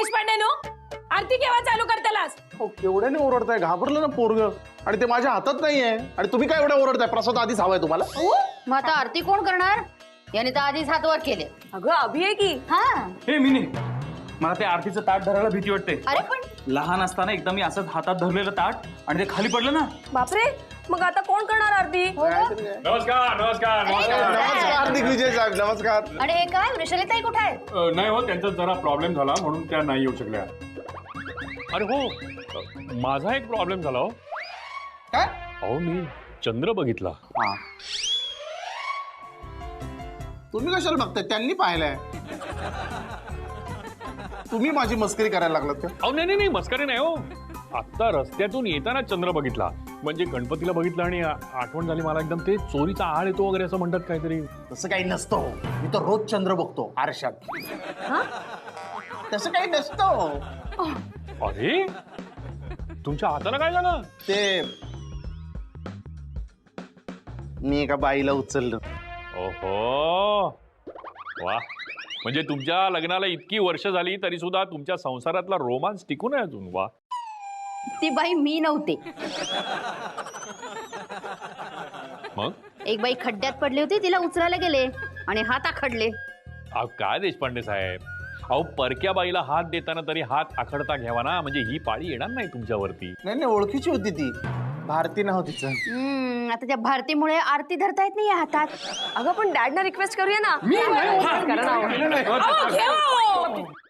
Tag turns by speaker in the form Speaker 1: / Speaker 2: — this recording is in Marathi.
Speaker 1: देशपांडे नो आरती केव्हा चालू करतालास?
Speaker 2: हो केवढ्याने ओरडताय, घाबरलं ना पोरग, आणि ते माझ्या हातात नाहीये, आणि तुम्ही काय एवढं ओरडताय? प्रसाद आधीच हवाय तुम्हाला?
Speaker 3: मग आता आरती कोण करणार? याने तर आधीच हात वर केले.
Speaker 1: अगं अभि आहे की.
Speaker 3: हा
Speaker 4: हे मी नाही, मला ते आरतीचं ताट धरायला भीती वाटते.
Speaker 3: अरे पण
Speaker 4: लहान असताना एकदा मी असंच हातात धरलेलं ताट आणि ते खाली पडलं ना.
Speaker 1: बापरे, मग आता कोण करणार आरती?
Speaker 5: नमस्कार नमस्कार नमस्कार.
Speaker 2: नमस्कार हार्दिक विजय साहेब, नमस्कार.
Speaker 3: आणि हे काय वृषालीताई कुठे आहेत?
Speaker 5: नाही हो, त्यांचा जरा प्रॉब्लेम झाला म्हणून त्या नाही येऊ शकल्या.
Speaker 6: अरे हो, माझा एक प्रॉब्लेम झाला हो.
Speaker 2: काय?
Speaker 6: अहो मी चंद्र बघितला.
Speaker 2: हा, तुम्ही कशाला बघताय? त्यांनी पाहिलंय. तुम्ही माझी मस्करी करायला लागलात का?
Speaker 6: अहो नाही नाही नाही, मस्करी नाही हो. आत्ता रस्त्यातून येताना चंद्र बघितला, म्हणजे गणपतीला बघितलं आणि आठवण झाली मला एकदम, ते चोरीचा आळ येतो वगैरे असं म्हणतात काहीतरी.
Speaker 2: तसं काही नसतं, मी तर रोज चंद्र बघतो आरशात. तसं काही नसतं.
Speaker 6: अरे तुमच्या हाताला काय झालं?
Speaker 2: ते मी एका बाईला उचललं.
Speaker 6: ओहो वा, म्हणजे तुमच्या लग्नाला इतकी वर्ष झाली तरी सुद्धा तुमच्या संसारातला रोमांस टिकून आहे अजून. वा.
Speaker 3: ती बाई मी नव्हते.
Speaker 6: मग
Speaker 3: एक बाई खड्ड्यात पडली होती, तिला उचलायला गेले आणि हात आखडले.
Speaker 6: अहो काय देशपांडे साहेब, अहो परक्या बाईला हात देताना तरी हात आखडता घ्यावा ना, म्हणजे ही पाळी येणार नाही तुमच्यावरती.
Speaker 2: नाही नाही, ओळखीची होती ती, भारती नाव तिचं.
Speaker 3: आता त्या भारतीमुळे आरती धरता येत नाही या हातात.
Speaker 1: अगं पण डॅडना रिक्वेस्ट करूया ना. करा ना. अहो, घे हो.